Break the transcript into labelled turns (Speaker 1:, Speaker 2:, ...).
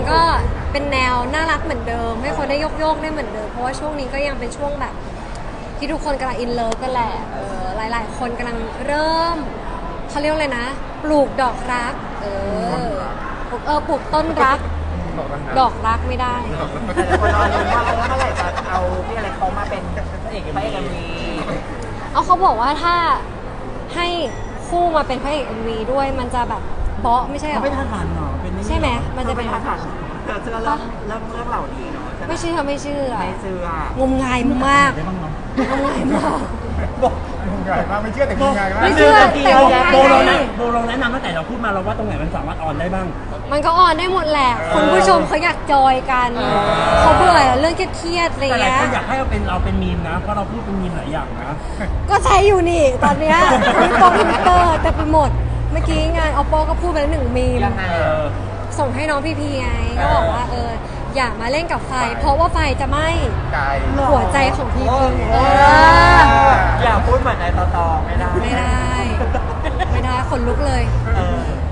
Speaker 1: ก็เป็นแนวน่ารักเหมือนเดิมให้คนได้โยกได้เหมือนเดิมเพราะว่าช่วงนี้ก็ยังเป็นช่วงแบบที่ทุกคนกำลังอินเลิฟกันแหละหลายๆคนกำลังเริ่มเขาเรียกเลยนะปลูกดอกรักปลูกต้นรักดอกรักไม่ได้
Speaker 2: แต่คนรอลุ้นว่าเมื่อไหร่จะเอาพี่อะไรเขามาเป็นพระเอกMV
Speaker 1: เขาบอกว่าถ้าให้คู่มาเป็นพระเอก MV ด้วยมันจะแบบเบาะไม่ใช่หรอ
Speaker 3: ไม่ทันหันหรอเป็น
Speaker 1: ใช่ไหมมันจะเป็น
Speaker 2: ภาษาเธอเชื่อเรื่องเหล่านี้เนาะ
Speaker 1: ไม่เชื่อ
Speaker 2: ไม่เชื่อง
Speaker 1: มงายมาก
Speaker 3: ได้บ้างเนาะ
Speaker 1: งมงายมาก
Speaker 4: บอกงงายมากไม่เชื่อแต่งงายมาก
Speaker 1: ไม่เชื่อแต่งงาย
Speaker 3: โบเราแนะนำตั้งแต่เราพูดมาเราว่าตรงไหนมันสามารถออนได้บ้าง
Speaker 1: มันก็ออนได้หมดแหละคุณผู้ชมเขาอยากจอยกันเขาเบื่อเรื่องเครียดๆอะไร
Speaker 3: แต่หลาย
Speaker 1: เงี้
Speaker 3: ค
Speaker 1: ย
Speaker 3: นอยากให้เราเป็นมีมนะเพราะเราพูดเป็นมีมหลายอย่างนะ
Speaker 1: ก็ใช้อยู่นี่ตอนเนี้ยทวิตเตอร์แต่ไปหมดเมื่อกี้งาน oppo ก็พูดไปแล้ว1 มีม
Speaker 2: ยังไง
Speaker 1: ส่งให้น้องพี่พีไงก็บอกว่าอย่ามาเล่นกับไฟเพราะว่าไฟจะไหม้
Speaker 4: กาย
Speaker 1: หัวใจของพี่พี
Speaker 2: อย่าพูดเหมือนในตอไม่ได้
Speaker 1: ไม่ได้ขนลุกเลย
Speaker 2: เออ